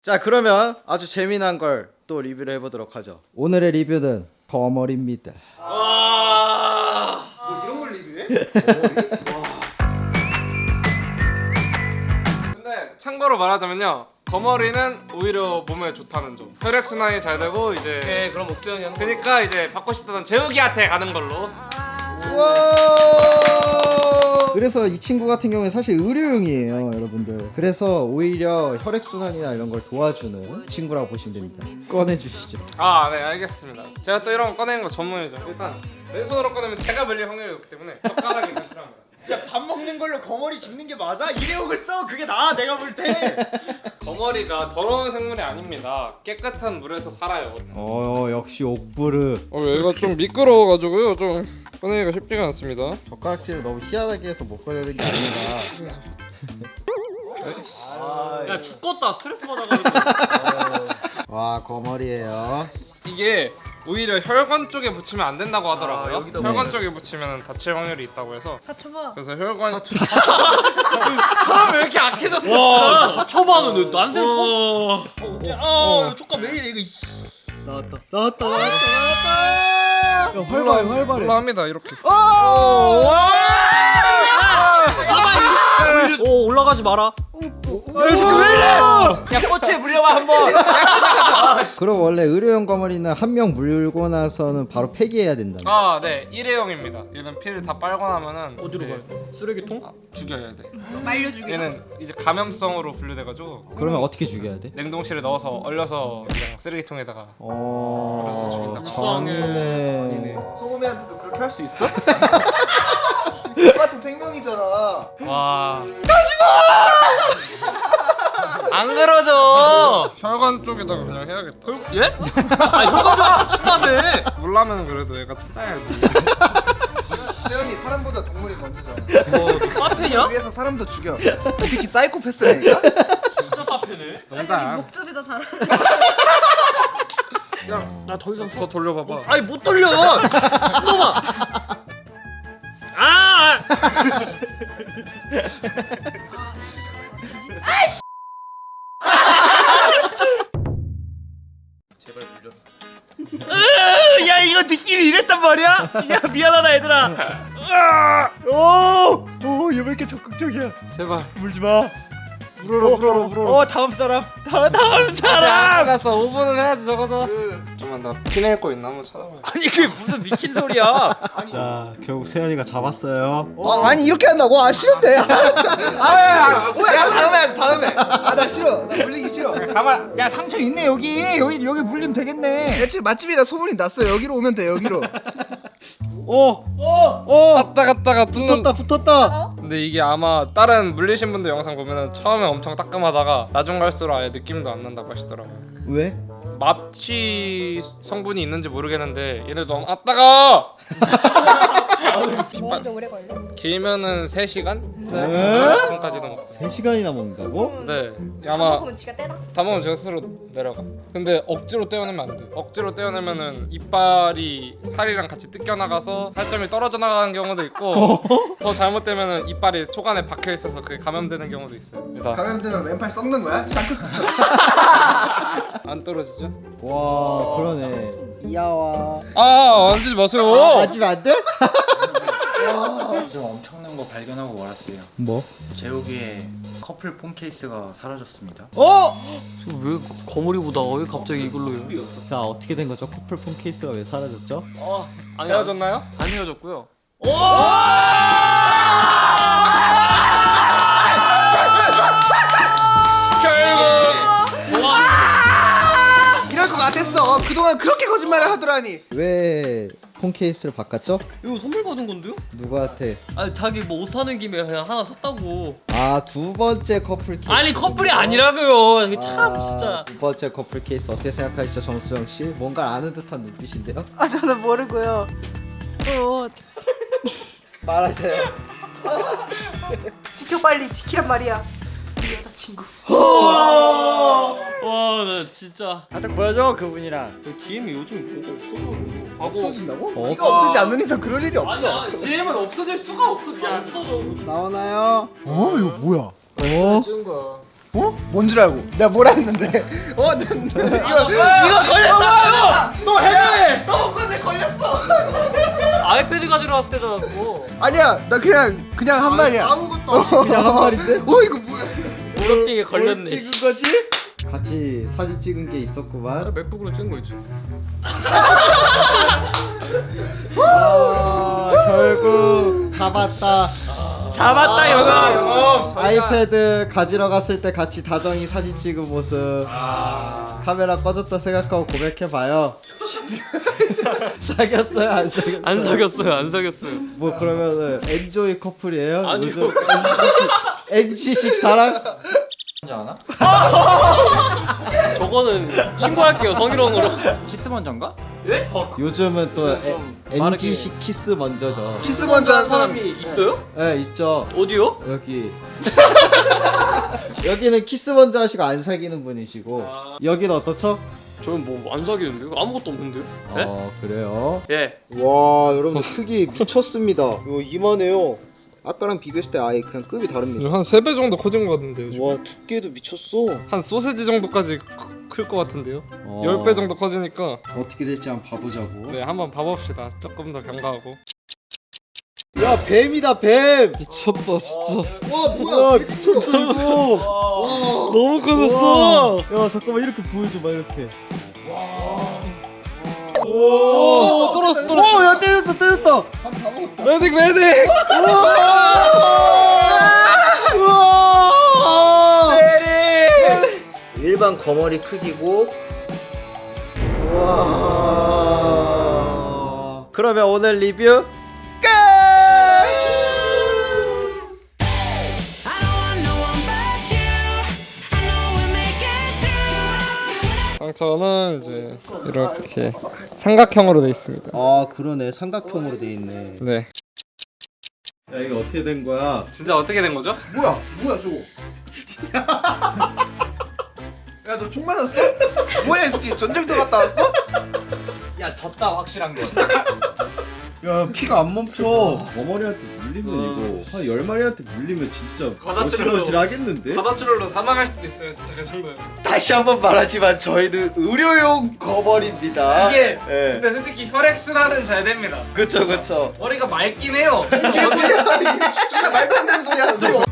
자, 그러면 아주 재미난 걸 또 리뷰를 해보도록 하죠. 오늘의 리뷰는 거머리입니다. 뭐 이런 걸 리뷰해? 근데 참고로 말하자면요, 거머리는 오히려 몸에 좋다는 점. 혈액 순환이 잘 되고 이제. 네, 그럼 옥수형이 하는 거. 그러니까 이제 받고 싶다던 재욱이한테 가는 걸로. 그래서 이 친구 같은 경우에 사실 의료용이에요, 여러분들. 그래서 오히려 혈액순환이나 이런 걸 도와주는 친구라고 보시면 됩니다. 꺼내주시죠. 아, 네, 알겠습니다. 제가 또 이런 거 꺼내는 거 전문이죠. 일단 왼손으로 꺼내면 제가 물릴 확률이 높기 때문에 젓가락이 좀 필요합니다. 야, 밥 먹는 걸로 거머리 짚는 게 맞아? 일회용을 써? 그게 나아, 내가 볼 때. 거머리가 더러운 생물이 아닙니다. 깨끗한 물에서 살아요. 역시 옥부르. 얘가 좀 미끄러워가지고요, 좀 꺼내기가 쉽지가 않습니다. 젓가락질을 너무 희한하게 해서 못 꺼내는 게 아니라. 야 죽겠다 스트레스 받아가지고. 와, 거머리예요. 이게 오히려 혈관 쪽에 붙이면 안 된다고 하더라고요. 여기다 혈관 쪽에 붙이면 다칠 확률이 있다고 해서. 다쳐봐. 그래서 혈관. 사람 왜 이렇게 악해졌어 진짜. 다쳐봐는 난생 처음. 조금 왜 이래, 이거. 나왔다. 활발해. 올라갑니다 이렇게. 오 올라가지 마라. 야, 꼬치에 물려봐, 한번. 그럼 원래 의료용 거머리는 한 명 물고 나서는 바로 폐기해야 된다. 아, 네, 일회용입니다. 얘는 피를 다 빨고 나면은 어디로 이제 가요? 쓰레기통? 죽여야 돼. 말려주기. 얘는 이제 감염성으로 분류돼가지고 그러면 어떻게 죽여야 돼? 냉동실에 넣어서 얼려서 그냥 쓰레기통에다가. 그래서 죽인다. 전에 소금이한테도 그렇게 할 수 있어? 똑같은 생명이잖아. 와. 안 그러죠. 혈관 쪽에다가 그냥 해야겠다. 예? 아니 혈관 좀 다친다며. 물라면 그래도 얘가 찾아야지. 세연이 사람보다 동물이 먼저잖아. 뭐너 카페냐? 위에서 사람도 죽여. 이 새끼 사이코패스라니까? 진짜 카페네. 농담. 목젖에다 달아. 나 더 이상 더 돌려봐봐. 아니 못 돌려. 신놈아. 아! 제발 물려. 야 이거 느낌이 이랬단 말이야? 야 미안하다 얘들아. 오, 얘 왜 이렇게 적극적이야? 제발. 물지 마. 물어라. 다음 사람. 다음 사람. 알았어. 5분은 해야지 적어서. 그, 잠깐만 나 피 낼 거 있나 한번 찾아봐야. 아니 그게 무슨 미친 소리야? 아니. 자, 결국 세연이가 잡았어요. 아니 이렇게 한다고? 아 싫은데. 야 다음에 하자 다음에. 나 싫어. 나 물리기 싫어. 가만. 야 상처 있네 여기 물리면 되겠네. 대체 맛집이라 소문이 났어. 여기로 오면 돼 여기로. 갔다가 뜯는. 붙었다. 근데 이게 아마 다른 물리신 분들 영상 보면은 처음에 엄청 따끔하다가 나중 갈수록 아예 느낌도 안 난다고 하시더라고요. 왜? 마취 성분이 있는지 모르겠는데 얘네 너무 따가. 먹는데 오래 걸려? 길면은 3시간? 네. 3시간까지도 먹어요. 3시간이나 먹는다고? 네. 다 아마 먹으면 지가 떼나? 다 먹으면 제가 스스로 내려가. 근데 억지로 떼어내면 안 돼. 억지로 떼어내면은 이빨이 살이랑 같이 뜯겨 나가서 살점이 떨어져 나가는 경우도 있고 더 잘못되면은 이빨이 속 안에 박혀 있어서 그게 감염되는 경우도 있어요. 일단 감염되면 왼팔 썩는 거야? 샹크스처럼. 안 떨어지죠? 와, 그러네. 이야와. 만지지 마세요. 맞으면 안 돼? 좀 엄청난 거 발견하고 말았어요. 뭐? 제욱이의 커플 폰 케이스가 사라졌습니다. 왜 거머리보다 왜 갑자기 이걸로요? 자, 어떻게 된 거죠? 커플폰 케이스가 왜 사라졌죠? 아니 헤어졌나요? 안 헤어졌고요. 이럴 것 같았어. 그동안 그렇게 거짓말을 하더라니. 왜 폰 케이스를 바꿨죠? 이거 선물 받은 건데요? 누구한테? 아니 자기 뭐 옷 사는 김에 그냥 하나 샀다고. 아, 두 번째 커플 케이스. 아니 커플이 아니라고요. 이게 참 진짜. 두 번째 커플 케이스 어떻게 생각하시죠, 정수영 씨? 뭔가 아는 듯한 눈빛인데요? 아 저는 모르고요. 말하세요. 지켜 빨리 지키란 말이야. 우리 여자친구. 와 나 진짜. 딱 보여줘, 그분이랑. DM이 요즘 뭐가 없어. 없어진다고? 어? 이거 없어지지 않는 이상 그럴 일이 없어. 아니 DM은 없어질 수가 없어. 야 없어져. 나오나요? 이거 뭐야? 어? 찍은 거야. 어? 뭔 줄 알고? 내가 뭐라 했는데? 이거 걸렸다. 너 해! 너 그거 내 걸렸어. 아이패드 가지러 왔을 때잖아 그거. 아니야, 나 그냥 한 말이야. 아무것도 없이 그냥 한 말인데? 이거 뭐야? 무릎빙에 걸렸네. 뭘 찍은 거지? 같이 사진 찍은 게 있었구만. 맥북으로 찍은 거 있지. 결국 잡았다. 잡았다 영아. 아이패드 가지러 갔을 때 같이 다정히 사진 찍은 모습. 카메라 꺼졌다 생각하고 고백해봐요. 사귀었어요? 안 사귀었어요? 안 사귀었어요. 안 사귀었어요. 뭐 그러면은 엔조이 커플이에요? 아니요. 요즘 NG식 사랑? 저거는 신고할게요 성희롱으로. 키스 먼저인가? 예? 요즘은 또 빠르게. NG식 키스 먼저죠. 키스 먼저 한 사람. 있어요? 네 있죠. 어디요? 여기 여기는 키스 먼저 하시고 안 사귀는 분이시고 여기는 어떻죠? 저는 뭐 안 사귀는데요? 아무것도 없는데요? 네? 그래요? 예. 와, 여러분 크기 미쳤습니다. 이거 이만해요. 아까랑 비교했을 때 아예 그냥 급이 다릅니다. 한 3배 정도 커진 것 같은데요. 지금. 와, 두께도 미쳤어. 한 소세지 정도까지 클 것 같은데요. 어. 10배 정도 커지니까 어떻게 될지 한번 봐보자고. 네 한번 봐봅시다. 조금 더 경과하고. 야 뱀이다 뱀. 미쳤다 진짜. 와, 뭐야? 미쳤어 이거. 너무 커졌어. 야 잠깐만 이렇게 보여줘봐 이렇게. 오 떨었어. 오야 때렸다. 한번 다 먹었다. 메딕 메딕. 우와. 일반 거머리 크기고. 우와. 그러면 오늘 리뷰 끝. 상처는 이제 이렇게 삼각형으로 돼 있습니다. 아 그러네 삼각형으로 돼 있네. 네. 야 이거 어떻게 된 거야? 진짜 어떻게 된 거죠? 뭐야 저거? 야, 너 총 맞았어? 뭐야 이 새끼, 전쟁터 갔다 왔어? 야 졌다 확실한 거. 야 피가 안 멈춰. 거머리한테 물리면 이거 한 10마리한테 물리면 진짜 어질어질 하겠는데? 바다출혈로 사망할 수도 있어요. 진짜 그 정도면. 다시 한번 말하지만 저희는 의료용 거벌입니다. 이게 예. 근데 솔직히 혈액순환은 잘 됩니다. 그쵸. 머리가 맑긴 해요. 이게 소리야. 이게 말도 안 되는 소리야.